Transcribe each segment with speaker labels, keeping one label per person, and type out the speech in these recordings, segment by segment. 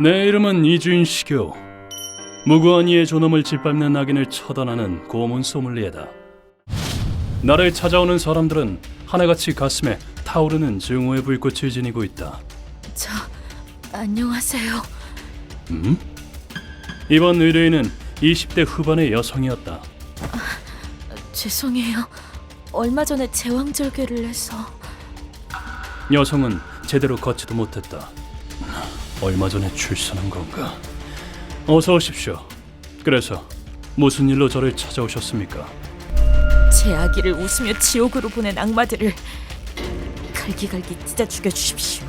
Speaker 1: 내 이름은 이주인 시교. 무고한 이의 존엄을 짓밟는 악인을 처단하는 고문 소믈리에다. 나를 찾아오는 사람들은 하나같이 가슴에 타오르는 증오의 불꽃을 지니고 있다.
Speaker 2: 안녕하세요.
Speaker 1: 이번 의뢰인은 20대 후반의 여성이었다.
Speaker 2: 죄송해요. 얼마 전에 제왕절개를 해서.
Speaker 1: 여성은 제대로 걷지도 못했다. 얼마 전에 출산한 건가? 어서 오십시오. 그래서 무슨 일로 저를 찾아오셨습니까?
Speaker 2: 제 아기를 웃으며 지옥으로 보낸 악마들을 갈기갈기 찢어 죽여주십시오.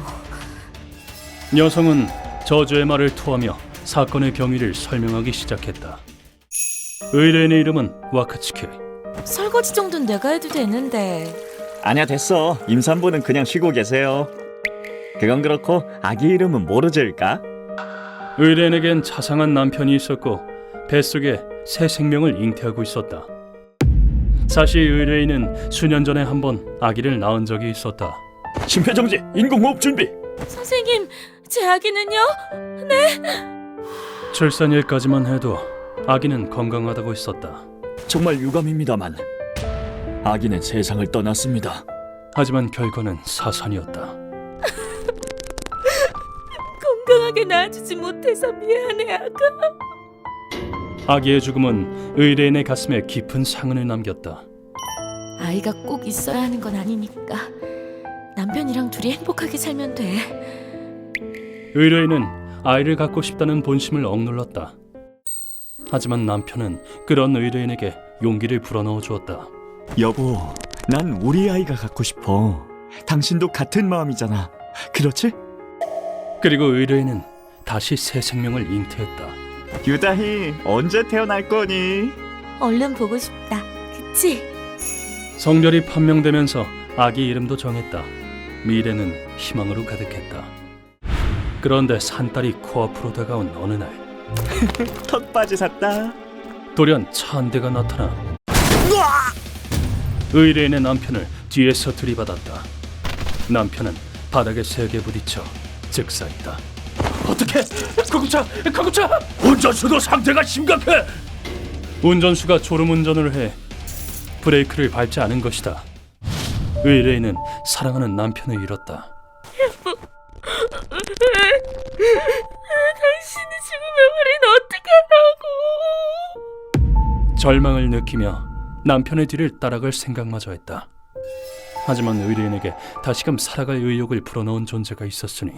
Speaker 1: 여성은 저주의 말을 토하며 사건의 경위를 설명하기 시작했다. 의뢰인의 이름은 와카츠키.
Speaker 2: 설거지 정도는 내가 해도 되는데.
Speaker 3: 아니야, 됐어. 임산부는 그냥 쉬고 계세요. 그건 그렇고 아기 이름은 뭐로 지을까?
Speaker 1: 의뢰인에겐 자상한 남편이 있었고 뱃속에 새 생명을 잉태하고 있었다. 사실 의뢰인은 수년 전에 한번 아기를 낳은 적이 있었다.
Speaker 3: 심폐정지, 인공호흡 준비.
Speaker 2: 선생님, 제 아기는요?
Speaker 1: 출산일까지만 해도 아기는 건강하다고 했었다.
Speaker 3: 정말 유감입니다만 아기는 세상을 떠났습니다.
Speaker 1: 하지만 결과는 사산이었다.
Speaker 2: 건강하게 낳아주지 못해서 미안해, 아가.
Speaker 1: 아기의 죽음은 의뢰인의 가슴에 깊은 상흔을 남겼다.
Speaker 2: 아이가 꼭 있어야 하는 건 아니니까 남편이랑 둘이 행복하게 살면 돼.
Speaker 1: 의뢰인은 아이를 갖고 싶다는 본심을 억눌렀다. 하지만 남편은 그런 의뢰인에게 용기를 불어넣어 주었다.
Speaker 3: 여보, 난 우리 아이가 갖고 싶어. 당신도 같은 마음이잖아. 그렇지?
Speaker 1: 그리고 의뢰인은 다시 새 생명을 잉태했다.
Speaker 3: 유다희, 언제 태어날 거니?
Speaker 2: 얼른 보고 싶다. 그치?
Speaker 1: 성별이 판명되면서 아기 이름도 정했다. 미래는 희망으로 가득했다. 그런데 산딸이 코앞으로 다가온 어느 날
Speaker 3: 턱받이 샀다.
Speaker 1: 돌연 차 한 대가 나타나 의뢰인의 남편을 뒤에서 들이받았다. 남편은 바닥에 세게 부딪혀 즉사했다. 어떻게? 구급차! 운전수도 상태가 심각해! 운전수가 졸음운전을 해 브레이크를 밟지 않은 것이다. 의뢰인은 사랑하는 남편을 잃었다.
Speaker 2: 당신이 죽으면 우린 어떡하라고.
Speaker 1: 절망을 느끼며 남편의 뒤를 따라갈 생각마저 했다. 하지만 의뢰인에게 다시금 살아갈 의욕을 불어넣은 존재가 있었으니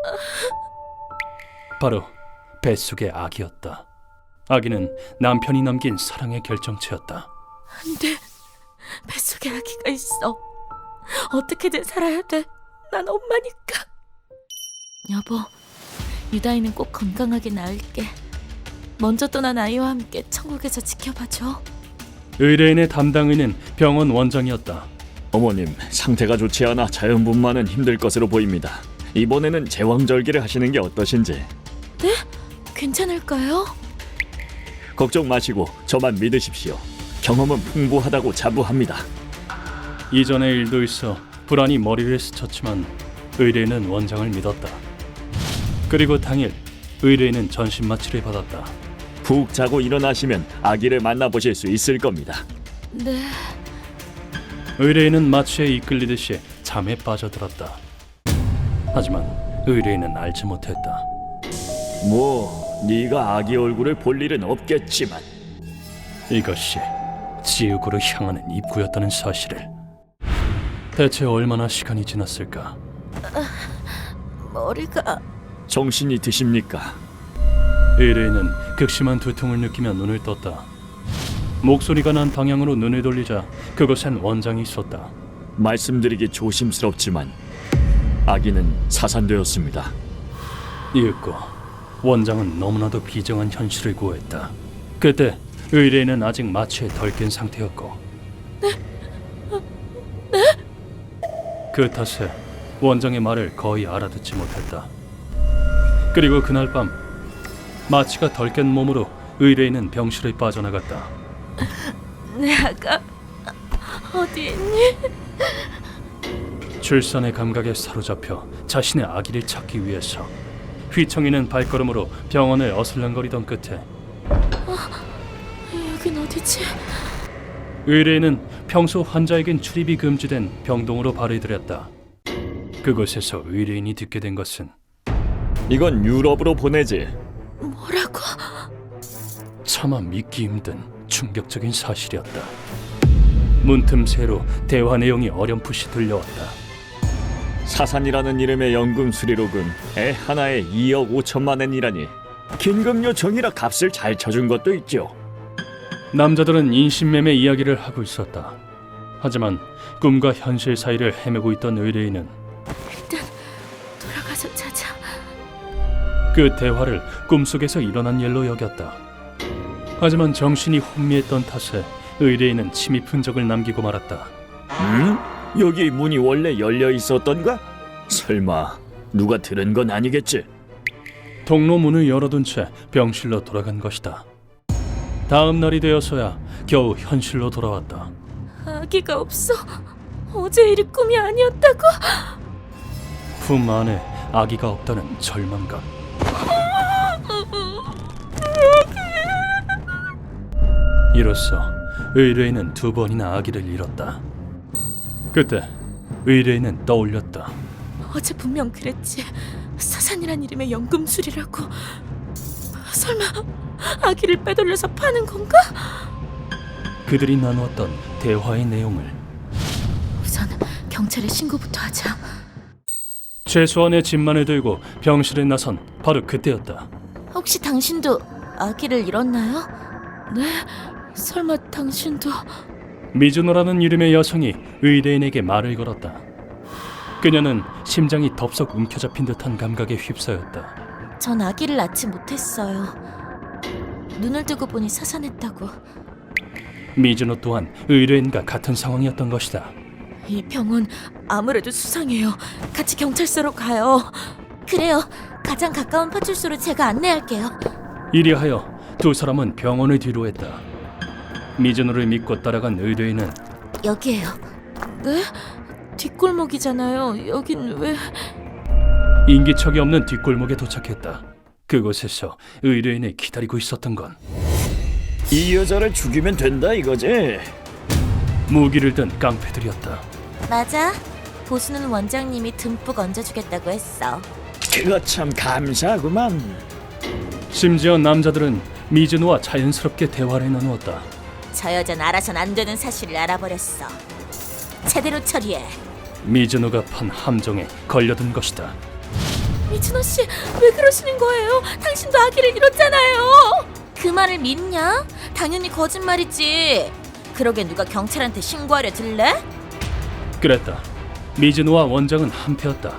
Speaker 1: 바로 뱃속의 아기였다. 아기는 남편이 남긴 사랑의 결정체였다.
Speaker 2: 안 돼. 뱃속에 아기가 있어. 어떻게든 살아야 돼. 난 엄마니까. 여보, 유다이는 꼭 건강하게 낳을게. 먼저 떠난 아이와 함께 천국에서 지켜봐줘.
Speaker 1: 의뢰인의 담당의는 병원 원장이었다.
Speaker 3: 어머님, 상태가 좋지 않아 자연분만은 힘들 것으로 보입니다. 이번에는 제왕절개를 하시는 게 어떠신지.
Speaker 2: 네? 괜찮을까요?
Speaker 3: 걱정 마시고 저만 믿으십시오. 경험은 풍부하다고 자부합니다.
Speaker 1: 이전의 일도 있어 불안이 머리를 스쳤지만 의뢰인은 원장을 믿었다. 그리고 당일 의뢰인은 전신 마취를 받았다.
Speaker 3: 푹 자고 일어나시면 아기를 만나보실 수 있을 겁니다.
Speaker 2: 네.
Speaker 1: 의뢰인은 마취에 이끌리듯이 잠에 빠져들었다. 하지만 의뢰인은 알지 못했다.
Speaker 3: 뭐, 네가 아기 얼굴을 볼 일은 없겠지만
Speaker 1: 이것이 지옥으로 향하는 입구였다는 사실을. 대체 얼마나 시간이 지났을까?
Speaker 2: 머리가...
Speaker 3: 정신이 드십니까?
Speaker 1: 의뢰인은 극심한 두통을 느끼며 눈을 떴다. 목소리가 난 방향으로 눈을 돌리자 그곳엔 원장이 있었다.
Speaker 3: 말씀드리기 조심스럽지만 아기는 사산되었습니다.
Speaker 1: 이윽고 원장은 너무나도 비정한 현실을 고했다. 그때 의뢰인은 아직 마취에 덜 깬 상태였고 그 탓에 원장의 말을 거의 알아듣지 못했다. 그리고 그날 밤 마취가 덜 깬 몸으로 의뢰인은 병실을 빠져나갔다.
Speaker 2: 내 아가 어디 있니?
Speaker 1: 출산의 감각에 사로잡혀 자신의 아기를 찾기 위해서 휘청이는 발걸음으로 병원을 어슬렁거리던 끝에
Speaker 2: 여긴 어디지?
Speaker 1: 의뢰인은 평소 환자에겐 출입이 금지된 병동으로 발을 들였다. 그곳에서 의뢰인이 듣게 된 것은
Speaker 3: 이건 유럽으로 보내지.
Speaker 2: 뭐라고?
Speaker 1: 차마 믿기 힘든 충격적인 사실이었다. 문틈새로 대화 내용이 어렴풋이 들려왔다.
Speaker 3: 사산이라는 이름의 연금 수리로금 애 하나에 2억 5천만 엔이라니. 긴급 요청이라 값을 잘 쳐준 것도 있죠.
Speaker 1: 남자들은 인신매매 이야기를 하고 있었다. 하지만 꿈과 현실 사이를 헤매고 있던 의뢰인은
Speaker 2: 일단 돌아가서 자자.
Speaker 1: 그 대화를 꿈속에서 일어난 일로 여겼다. 하지만 정신이 혼미했던 탓에 의뢰인은 침입 흔적을 남기고 말았다.
Speaker 3: 여기 문이 원래 열려 있었던가? 설마 누가 들은 건 아니겠지?
Speaker 1: 동로 문을 열어둔 채 병실로 돌아간 것이다. 다음 날이 되어서야 겨우 현실로 돌아왔다.
Speaker 2: 아기가 없어. 어제 일이 꿈이 아니었다고?
Speaker 1: 품 안에 아기가 없다는 절망감. 이로써 의뢰인은 2번이나 아기를 잃었다. 그때 의뢰인은 떠올렸다.
Speaker 2: 어제 분명 그랬지. 사산이란 이름의 연금술이라고. 설마 아기를 빼돌려서 파는 건가?
Speaker 1: 그들이 나누었던 대화의 내용을
Speaker 2: 우선 경찰에 신고부터 하자.
Speaker 1: 최소한의 짐만을 들고 병실에 나선 바로 그때였다.
Speaker 2: 혹시 당신도 아기를 잃었나요? 네? 설마 당신도...
Speaker 1: 미즈노라는 이름의 여성이 의뢰인에게 말을 걸었다. 그녀는 심장이 덥석 움켜잡힌 듯한 감각에 휩싸였다.
Speaker 2: 전 아기를 낳지 못했어요. 눈을 뜨고 보니 사산했다고.
Speaker 1: 미즈노 또한 의뢰인과 같은 상황이었던 것이다.
Speaker 2: 이 병원 아무래도 수상해요. 같이 경찰서로 가요. 그래요. 가장 가까운 파출소로 제가 안내할게요.
Speaker 1: 이리하여 2 사람은 병원을 뒤로했다. 미즈노를 믿고 따라간 의뢰인은
Speaker 2: 여기에요. 네? 뒷골목이잖아요. 여긴 왜...
Speaker 1: 인기척이 없는 뒷골목에 도착했다. 그곳에서 의뢰인을 기다리고 있었던 건
Speaker 3: 이 여자를 죽이면 된다 이거지?
Speaker 1: 무기를 든 깡패들이었다.
Speaker 2: 맞아. 보수는 원장님이 듬뿍 얹어주겠다고 했어.
Speaker 3: 그거 참 감사하구만.
Speaker 1: 심지어 남자들은 미즈노와 자연스럽게 대화를 나누었다.
Speaker 2: 저 여자는 알아선 안 되는 사실을 알아버렸어. 제대로 처리해.
Speaker 1: 미즈노가 판 함정에 걸려든 것이다.
Speaker 2: 미즈노 씨, 왜 그러시는 거예요? 당신도 아기를 잃었잖아요. 그 말을 믿냐? 당연히 거짓말이지. 그러게 누가 경찰한테 신고하려 들래?
Speaker 1: 그랬다. 미즈노와 원장은 한패였다.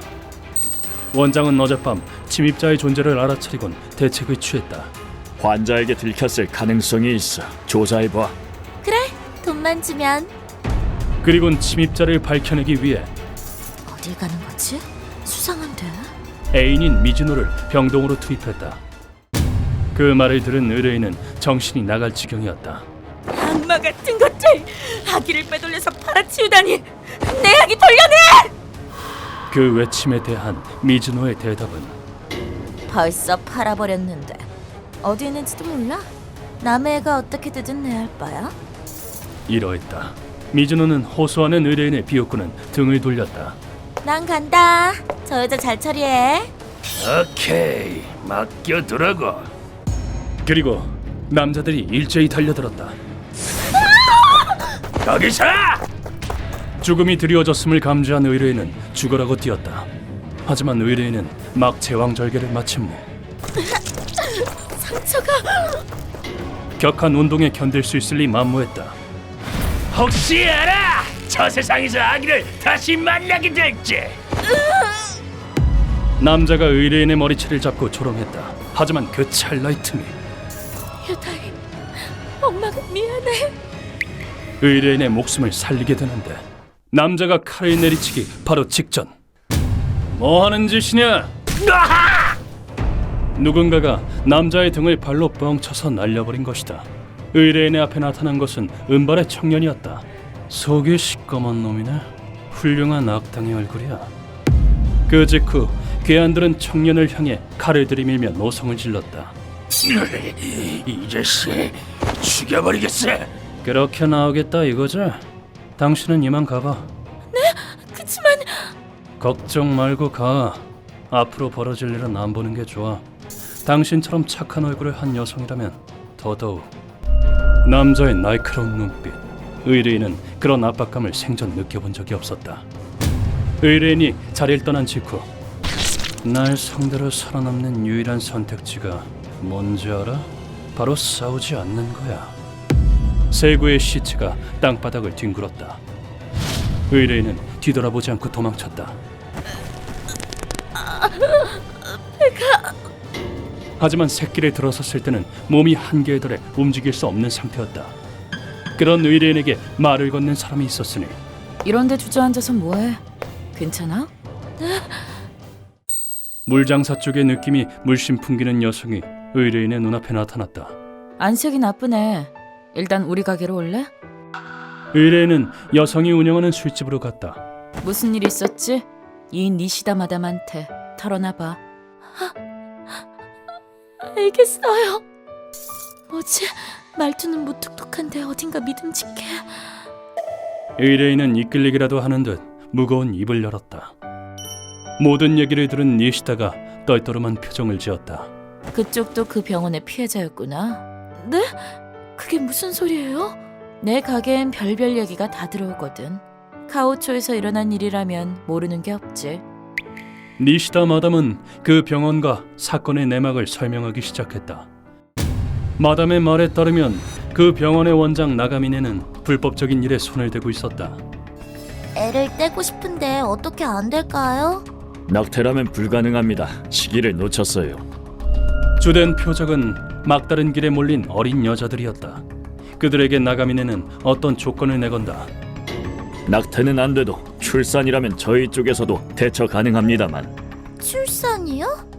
Speaker 1: 원장은 어젯밤 침입자의 존재를 알아차리곤 대책을 취했다.
Speaker 3: 환자에게 들켰을 가능성이 있어. 조사해봐.
Speaker 2: 그래, 돈만 주면.
Speaker 1: 그리곤 침입자를 밝혀내기 위해
Speaker 2: 어딜 가는 거지? 수상한데.
Speaker 1: 애인인 미즈노를 병동으로 투입했다. 그 말을 들은 의뢰인은 정신이 나갈 지경이었다.
Speaker 2: 악마 같은 것들! 아기를 빼돌려서 팔아치우다니! 내 아기 돌려내!
Speaker 1: 그 외침에 대한 미즈노의 대답은
Speaker 2: 벌써 팔아버렸는데 어디 있는지도 몰라? 남의 애가 어떻게 되든 내 할 바야?
Speaker 1: 이러했다. 미즈노는 호소하는 의뢰인의 비웃고는 등을 돌렸다.
Speaker 2: 난 간다. 저 여자 잘 처리해.
Speaker 1: 오케이, 맡겨두라고. 그리고 남자들이 일제히 달려들었다. 거기서! 죽음이 드리워졌음을 감지한 의뢰인은 죽으라고 뛰었다. 하지만 의뢰인은 막 제왕절개를 마친 후
Speaker 2: 상처가...
Speaker 1: 격한 운동에 견딜 수 있을리 만무했다. 혹시 알아? 저 세상에서 아기를 다시 만나게 될지. 남자가 의뢰인의 머리채를 잡고 조롱했다. 하지만 그 찰나의 틈에
Speaker 2: 유다이, 엄마가 미안해.
Speaker 1: 의뢰인의 목숨을 살리게 되는데 남자가 칼을 내리치기 바로 직전. 뭐 하는 짓이냐? 누군가가 남자의 등을 발로 뻥 쳐서 날려버린 것이다. 의뢰인의 앞에 나타난 것은 은발의 청년이었다. 속이 시꺼먼 놈이네. 훌륭한 악당의 얼굴이야. 그 직후 괴한들은 청년을 향해 칼을 들이밀며 노성을 질렀다.
Speaker 4: 이 자식 죽여버리겠어.
Speaker 1: 그렇게 나오겠다 이거지? 당신은 이만 가봐.
Speaker 2: 그치만
Speaker 1: 걱정 말고 가. 앞으로 벌어질 일은 안 보는 게 좋아. 당신처럼 착한 얼굴을 한 여성이라면 더더욱. 남자의 날카로운 눈빛. 의뢰인은 그런 압박감을 생전 느껴본 적이 없었다. 의뢰인이 자리를 떠난 직후 날 상대로 살아남는 유일한 선택지가 뭔지 알아? 바로 싸우지 않는 거야. 세구의 시체가 땅바닥을 뒹굴었다. 의뢰인은 뒤돌아보지 않고 도망쳤다. 하지만 새끼를 들어섰을 때는 몸이 한계에 달해 움직일 수 없는 상태였다. 그런 의뢰인에게 말을 건넨 사람이 있었으니
Speaker 2: 이런데 주저앉아서 뭐해? 괜찮아?
Speaker 1: 물장사 쪽의 느낌이 물씬 풍기는 여성이 의뢰인의 눈앞에 나타났다.
Speaker 2: 안색이 나쁘네. 일단 우리 가게로 올래?
Speaker 1: 의뢰인은 여성이 운영하는 술집으로 갔다.
Speaker 2: 무슨 일 있었지? 이 니시다 마담한테 털어놔봐. 알겠어요. 뭐지? 말투는 무뚝뚝한데 어딘가 믿음직해.
Speaker 1: 의뢰인은 이끌리기라도 하는 듯 무거운 입을 열었다. 모든 얘기를 들은 니시다가 떨떠름한 표정을 지었다.
Speaker 2: 그쪽도 그 병원의 피해자였구나. 네? 그게 무슨 소리예요? 내 가게엔 별별 얘기가 다 들어오거든. 카오초에서 일어난 일이라면 모르는 게 없지.
Speaker 1: 니시다 마담은 그 병원과 사건의 내막을 설명하기 시작했다. 마담의 말에 따르면 그 병원의 원장 나가미네는 불법적인 일에 손을 대고 있었다.
Speaker 2: 애를 떼고 싶은데 어떻게 안 될까요?
Speaker 3: 낙태라면 불가능합니다. 시기를 놓쳤어요.
Speaker 1: 주된 표적은 막다른 길에 몰린 어린 여자들이었다. 그들에게 나가미네는 어떤 조건을 내건다.
Speaker 3: 낙태는 안 돼도 출산이라면 저희 쪽에서도 대처 가능합니다만.
Speaker 2: 출산이요?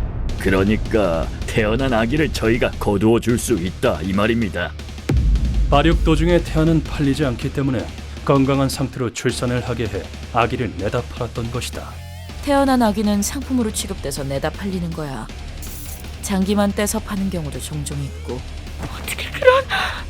Speaker 3: 그러니까 태어난 아기를 저희가 거두어 줄 수 있다 이 말입니다.
Speaker 1: 발육 도중에 태아는 팔리지 않기 때문에 건강한 상태로 출산을 하게 해 아기를 내다 팔았던 것이다.
Speaker 2: 태어난 아기는 상품으로 취급돼서 내다 팔리는 거야. 장기만 떼서 파는 경우도 종종 있고. 어떻게 그런...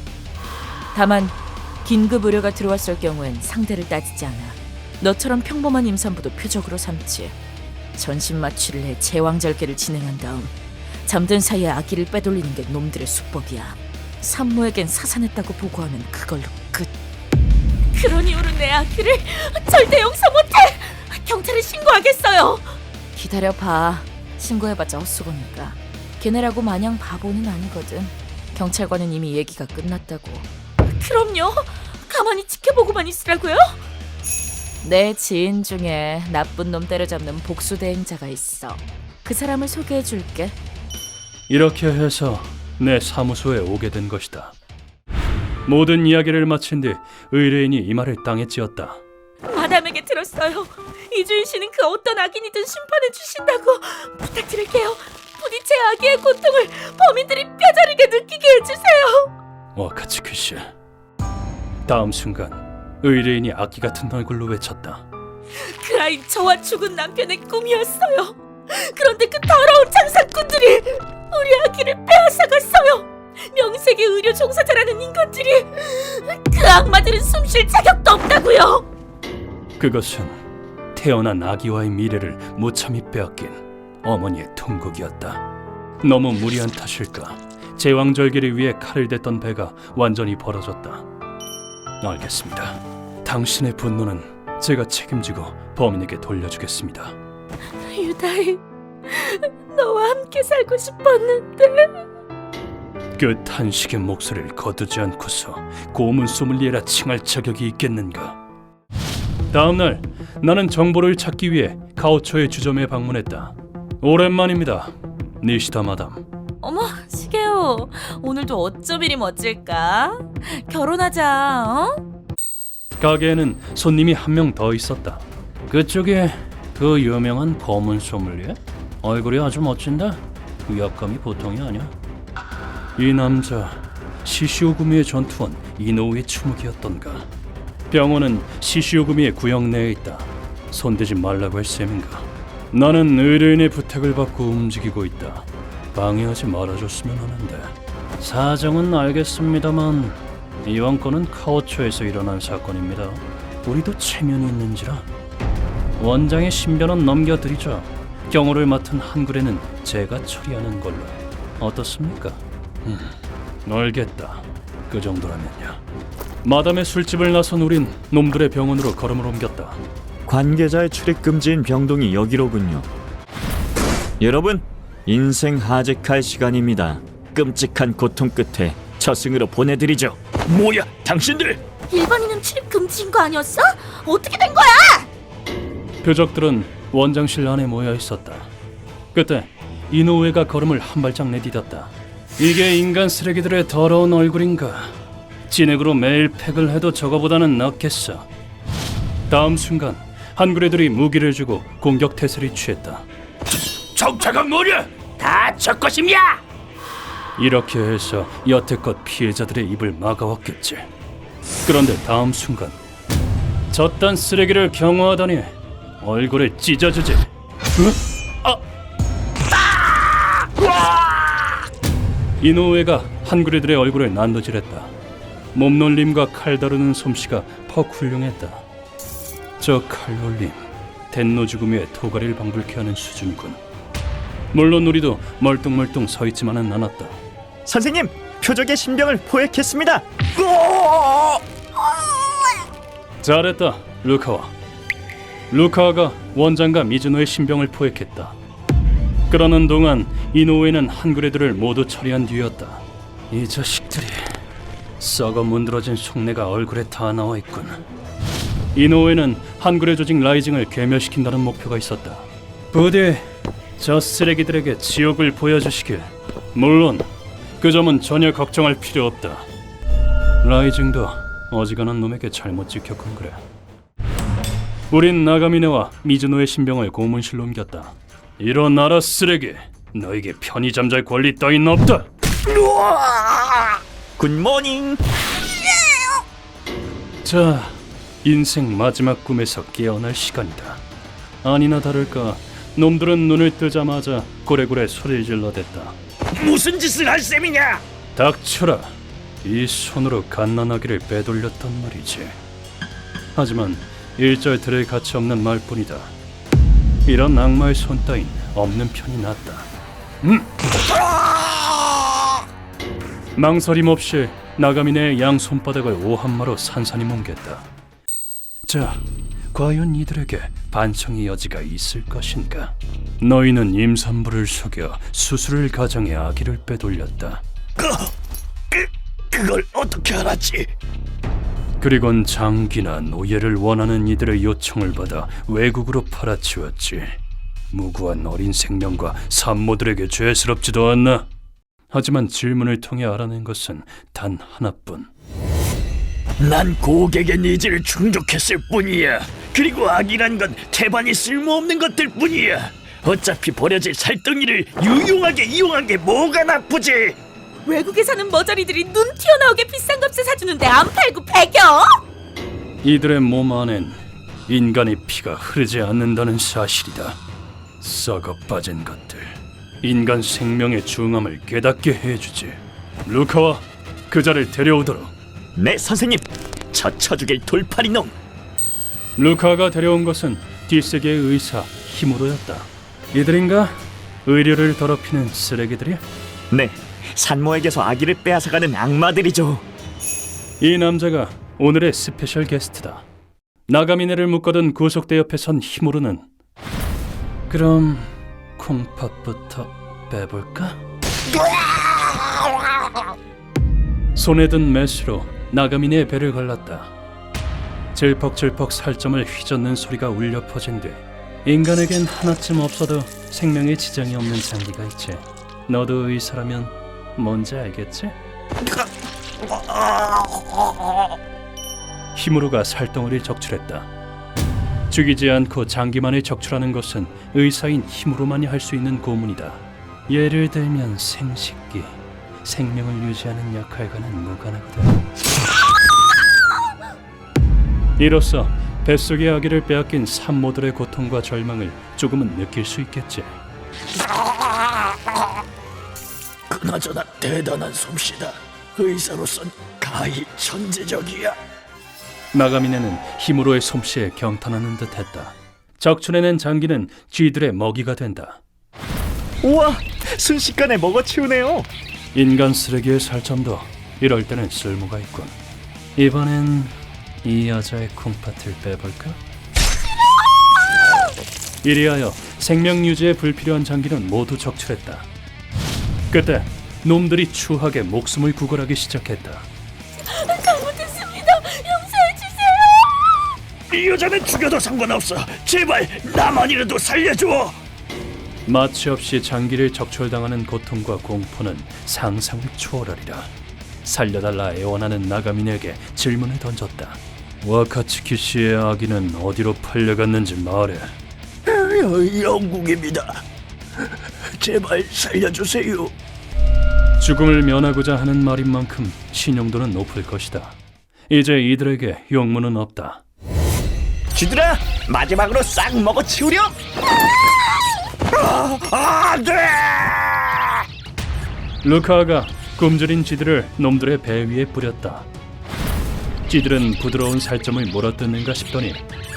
Speaker 2: 다만 긴급 의료가 들어왔을 경우엔 상대를 따지지 않아. 너처럼 평범한 임산부도 표적으로 삼지. 전신 마취를 해 제왕절개를 진행한 다음 잠든 사이에 아기를 빼돌리는 게 놈들의 수법이야. 산모에겐 사산했다고 보고하면 그걸로 끝. 그런 이유로 내 아기를 절대 용서 못해. 경찰에 신고하겠어요. 기다려봐. 신고해봤자 헛수고니까. 걔네라고 마냥 바보는 아니거든. 경찰과는 이미 얘기가 끝났다고. 그럼요. 가만히 지켜보고만 있으라고요? 내 지인 중에 나쁜 놈 때려잡는 복수 대행자가 있어. 그 사람을 소개해줄게.
Speaker 1: 이렇게 해서 내 사무소에 오게 된 것이다. 모든 이야기를 마친 뒤 의뢰인이 이 말을 땅에 찧었다.
Speaker 2: 마담에게 들었어요. 이주인 씨는 그 어떤 악인이든 심판해 주신다고. 부탁드릴게요. 부디 제 아기의 고통을 범인들이 뼈저리게 느끼게 해주세요.
Speaker 1: 와카츠키 씨. 다음 순간 의뢰인이 악기 같은 얼굴로 외쳤다.
Speaker 2: 그 아이 저와 죽은 남편의 꿈이었어요. 그런데 그 더러운 장사꾼들이 우리 아기를 빼앗아갔어요. 명색의 의료 종사자라는 인간들이. 그 악마들은 숨 쉴 자격도 없다고요.
Speaker 1: 그것은 태어난 아기와의 미래를 무참히 빼앗긴 어머니의 통곡이었다. 너무 무리한 탓일까? 제왕절개를 위해 칼을 댔던 배가 완전히 벌어졌다. 알겠습니다. 당신의 분노는 제가 책임지고 범인에게 돌려주겠습니다.
Speaker 2: 유다이, 너와 함께 살고 싶었는데.
Speaker 1: 그 탄식의 목소리를 거두지 않고서 고문 소믈리에라 칭할 자격이 있겠는가? 다음날 나는 정보를 찾기 위해 카오초의 주점에 방문했다. 오랜만입니다, 니시다 마담.
Speaker 2: 어머, 시게오. 오늘도 어쩜 이리 멋질까? 결혼하자, 어?
Speaker 1: 가게에는 손님이 한 명 더 있었다. 그쪽에 그 유명한 검은 소믈리에? 얼굴이 아주 멋진다. 위압감이 보통이 아니야. 이 남자 시시오구미의 전투원 이노우의 추묵이었던가. 병원은 시시오구미의 구역 내에 있다. 손대지 말라고 할 셈인가. 나는 의뢰인의 부탁을 받고 움직이고 있다. 방해하지 말아줬으면 하는데. 사정은 알겠습니다만 이번 건은 카오초에서 일어난 사건입니다. 우리도 체면이 있는지라. 원장의 신변은 넘겨드리죠. 경호를 맡은 한굴에는 제가 처리하는 걸로. 어떻습니까? 알겠다. 그 정도라면요. 마담의 술집을 나선 우린 놈들의 병원으로 걸음을 옮겼다.
Speaker 3: 관계자의 출입 금지인 병동이 여기로군요. 여러분, 인생 하직할 시간입니다. 끔찍한 고통 끝에 저승으로 보내드리죠.
Speaker 4: 뭐야, 당신들!
Speaker 5: 일반인은 출입 금지인 거 아니었어? 어떻게 된 거야?
Speaker 1: 표적들은 원장실 안에 모여 있었다. 그때 이노우에가 걸음을 한 발짝 내디뎠다. 이게 인간 쓰레기들의 더러운 얼굴인가? 진액으로 매일 팩을 해도 저거보다는 낫겠어. 다음 순간 한구레들이 무기를 주고 공격 태세를 취했다.
Speaker 4: 정체가 뭐냐? 다 저 것임이야!
Speaker 1: 이렇게 해서 여태껏 피해자들의 입을 막아왔겠지. 그런데 다음 순간 저딴 쓰레기를 경호하다니 얼굴을 찢어주지. 이노우에가 한구레들의 얼굴을 난도질했다. 몸놀림과 칼 다루는 솜씨가 퍽 훌륭했다. 저 칼놀림, 덴노 죽음 위에 토가리를 방불케 하는 수준이군. 물론 우리도 멀뚱멀뚱 서 있지만은 않았다.
Speaker 3: 선생님, 표적의 신병을 포획했습니다.
Speaker 1: 잘했다, 루카와. 루카와가 원장과 미즈노의 신병을 포획했다. 그러는 동안 이노우에는 한구레들을 모두 처리한 뒤였다. 이 자식들이 썩어 문드러진 속내가 얼굴에 다 나와 있군. 이노우에는 한구레 조직 라이징을 괴멸시킨다는 목표가 있었다. 부디 저 쓰레기들에게 지옥을 보여주시길. 물론 그 점은 전혀 걱정할 필요 없다. 라이징도 어지간한 놈에게 잘못 찍혔건 그래. 우린 나가미네와 미즈노의 신병을 고문실로 옮겼다. 일어나라 쓰레기. 너에게 편히 잠잘 권리 따윈 없다.
Speaker 3: 굿모닝.
Speaker 1: 자, 인생 마지막 꿈에서 깨어날 시간이다. 아니나 다를까 놈들은 눈을 뜨자마자 고래고래 소리를 질러댔다.
Speaker 4: 무슨 짓을 할 셈이냐?
Speaker 1: 닥쳐라. 이 손으로 갓난아기를 빼돌렸단 말이지. 하지만 일절 들을 가치 없는 말뿐이다. 이런 악마의 손 따윈 없는 편이 낫다. 망설임 없이 나가미네의 양 손바닥을 오한마로 산산히 뭉갰다. 자, 과연 이들에게 반성의 여지가 있을 것인가? 너희는 임산부를 속여 수술을 가정해 아기를 빼돌렸다.
Speaker 4: 그걸 어떻게 알았지?
Speaker 1: 그리곤 장기나 노예를 원하는 이들의 요청을 받아 외국으로 팔아치웠지. 무고한 어린 생명과 산모들에게 죄스럽지도 않나? 하지만 질문을 통해 알아낸 것은 단 하나뿐.
Speaker 4: 난 고객의 니즈를 충족했을 뿐이야. 그리고 악이란 건 태반이 쓸모없는 것들 뿐이야. 어차피 버려질 살덩이를 유용하게 이용한 게 뭐가 나쁘지?
Speaker 5: 외국에 사는 머저리들이 눈 튀어나오게 비싼 값에 사주는데 안 팔고 배겨?
Speaker 1: 이들의 몸 안엔 인간의 피가 흐르지 않는다는 사실이다. 썩어 빠진 것들. 인간 생명의 중함을 깨닫게 해주지. 루카와 그자를 데려오도록.
Speaker 3: 네, 선생님. 저 쳐죽일 돌팔이 놈.
Speaker 1: 루카가 데려온 것은 뒷세계의 의사 히무로였다. 이들인가? 의료를 더럽히는 쓰레기들이?
Speaker 3: 네, 산모에게서 아기를 빼앗아가는 악마들이죠.
Speaker 1: 이 남자가 오늘의 스페셜 게스트다. 나가미네를 묶어둔 구속대 옆에 선 히무로는 그럼 콩팥부터 빼볼까? 손에 든 메스로 나가미네의 배를 갈랐다. 질퍽질퍽 살점을 휘젓는 소리가 울려 퍼진 뒤 인간에겐 하나쯤 없어도 생명에 지장이 없는 장기가 있지. 너도 의사라면 뭔지 알겠지? 히무로가 살덩어리를 적출했다. 죽이지 않고 장기만을 적출하는 것은 의사인 히무로만이 할 수 있는 고문이다. 예를 들면 생식기, 생명을 유지하는 역할과는 무관하거든. 이로써 뱃속의 아기를 빼앗긴 산모들의 고통과 절망을 조금은 느낄 수 있겠지.
Speaker 4: 그나저나 대단한 솜씨다. 의사로선 가히 천재적이야.
Speaker 1: 나가미네는 힘으로의 솜씨에 경탄하는 듯했다. 적출해낸 장기는 쥐들의 먹이가 된다.
Speaker 3: 우와, 순식간에 먹어치우네요.
Speaker 1: 인간 쓰레기의 살점도 이럴 때는 쓸모가 있군. 이번엔 이 여자의 콩팥을 빼볼까? 이리하여 생명 유지에 불필요한 장기는 모두 적출했다. 그때 놈들이 추하게 목숨을 구걸하기 시작했다.
Speaker 5: 잘못했습니다. 용서해 주세요.
Speaker 4: 이 여자는 죽여도 상관없어. 제발 나만이라도 살려줘.
Speaker 1: 마취 없이 장기를 적출당하는 고통과 공포는 상상을 초월하리라. 살려달라 애원하는 나가민에게 질문을 던졌다. 와카츠키 씨의 아기는 어디로 팔려갔는지 말해.
Speaker 4: 영국입니다. 제발 살려주세요.
Speaker 1: 죽음을 면하고자 하는 말인 만큼 신용도는 높을 것이다. 이제 이들에게 용무는 없다.
Speaker 3: 쥐들아, 마지막으로 싹 먹어치우렴.
Speaker 4: 안돼!
Speaker 1: 루카가 굶주린 쥐들을 놈들의 배 위에 뿌렸다. 쥐들은 부드러운 살점을 물어뜯는가 싶더니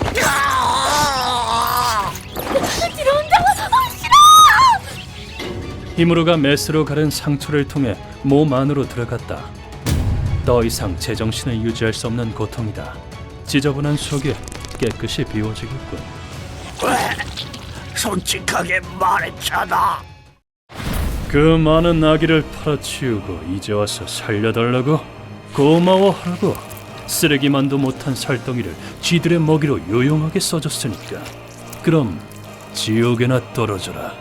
Speaker 1: 히무루가 메스로 가른 상처를 통해 몸 안으로 들어갔다. 더 이상 제정신을 유지할 수 없는 고통이다. 지저분한 속이 깨끗이 비워지겠군.
Speaker 4: 솔직하게 말했잖아.
Speaker 1: 그 많은 아기를 팔아치우고 이제 와서 살려달라고? 고마워하라고. 쓰레기만도 못한 살덩이를 쥐들의 먹이로 요용하게 써줬으니까. 그럼 지옥에나 떨어져라.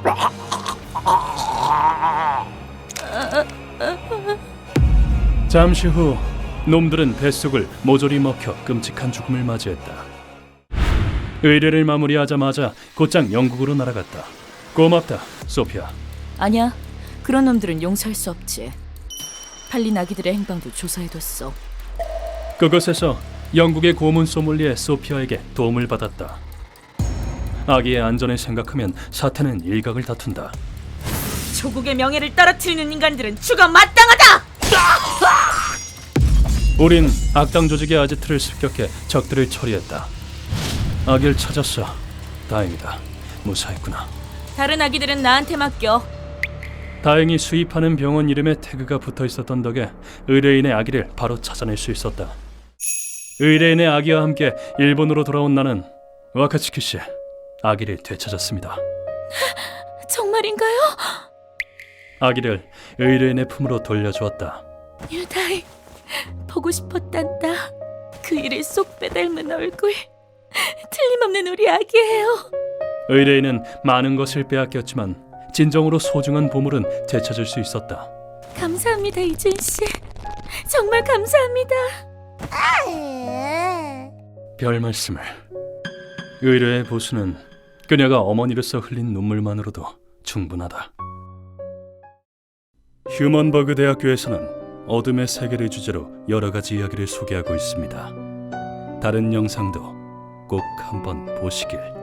Speaker 1: 잠시 후 놈들은 뱃속을 모조리 먹혀 끔찍한 죽음을 맞이했다. 의뢰를 마무리하자마자 곧장 영국으로 날아갔다. 고맙다, 소피아.
Speaker 2: 아니야. 그런 놈들은 용서할 수 없지. 팔린 아기들의 행방도 조사해뒀어.
Speaker 1: 그곳에서 영국의 고문 소믈리에 소피아에게 도움을 받았다. 아기의 안전을 생각하면 사태는 일각을 다툰다.
Speaker 5: 조국의 명예를 떨어뜨리는 인간들은 죽어 마땅하다.
Speaker 1: 우린 악당 조직의 아지트를 습격해 적들을 처리했다. 아기를 찾았어. 다행이다. 무사했구나.
Speaker 5: 다른 아기들은 나한테 맡겨.
Speaker 1: 다행히 수입하는 병원 이름에 태그가 붙어 있었던 덕에 의뢰인의 아기를 바로 찾아낼 수 있었다. 의뢰인의 아기와 함께 일본으로 돌아온 나는 와카츠키 씨 아기를 되찾았습니다.
Speaker 5: 정말인가요?
Speaker 1: 아기를 의뢰인의 품으로 돌려주었다.
Speaker 5: 유다이, 보고 싶었단다. 그 일을 쏙 빼닮은 얼굴. 틀림없는 우리 아기예요.
Speaker 1: 의뢰인은 많은 것을 빼앗겼지만 진정으로 소중한 보물은 되찾을 수 있었다.
Speaker 5: 감사합니다, 이준 씨. 정말 감사합니다.
Speaker 1: 별 말씀을. 의뢰의 보수는 그녀가 어머니로서 흘린 눈물만으로도 충분하다. 휴먼버그 대학교에서는 어둠의 세계를 주제로 여러 가지 이야기를 소개하고 있습니다. 다른 영상도 꼭 한번 보시길.